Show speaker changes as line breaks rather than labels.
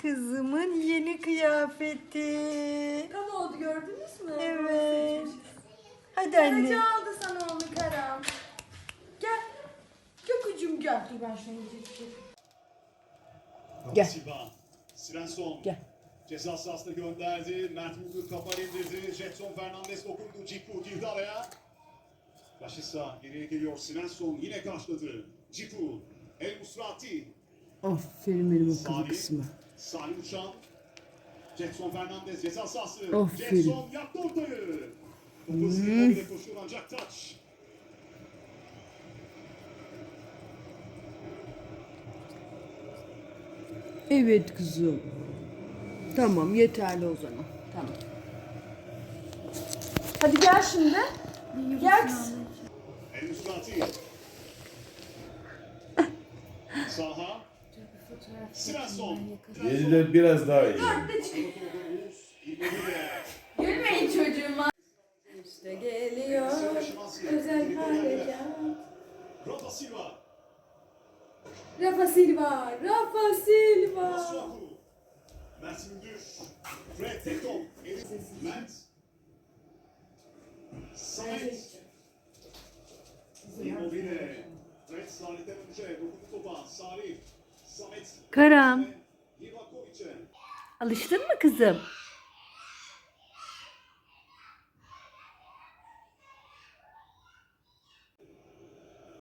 Kızımın yeni kıyafeti.
Tam oldu, gördünüz mü?
Evet. Hadi anne.
Karaca aldı sana onu Karam. Gel. Gökücüm gel. Dur ben şunu getireyim.
Gel.
Silva, Svensson.
Gel.
Ceza sahasına gönderdi. Mert Müldür kafa indirdi. Jetson Fernandes dokundu. Cipu girdi araya. Rashica geriye geliyor. Svensson yine karşıladı. Cipu, El Musrati.
Aferin benim akıllı kızıma.
Salih Uçan. Jetson Fernandes ceza sahası.
Aferin.
Jetson yaptı ortayı. Topu hızlı bir koşuyor ancak taç.
Evet kızım. Tamam yeterli o zaman. Tamam.
Hadi gel şimdi. Gel kızım.
El Musrati. Saha. Svensson.
Yediler biraz daha iyi.
Gülmeyin çocuğuma. İşte geliyor özel harekat.
Rafa Silva.
Rafa Silva, Rafa Silva.
Masuaku. Mert Müldür. Fred Tekton. Mert. Samet. Immobile. Fred Salih'ten önce dokundu topa. Salih. Samet.
Karam.
Livakovic'e.
Alıştın mı kızım?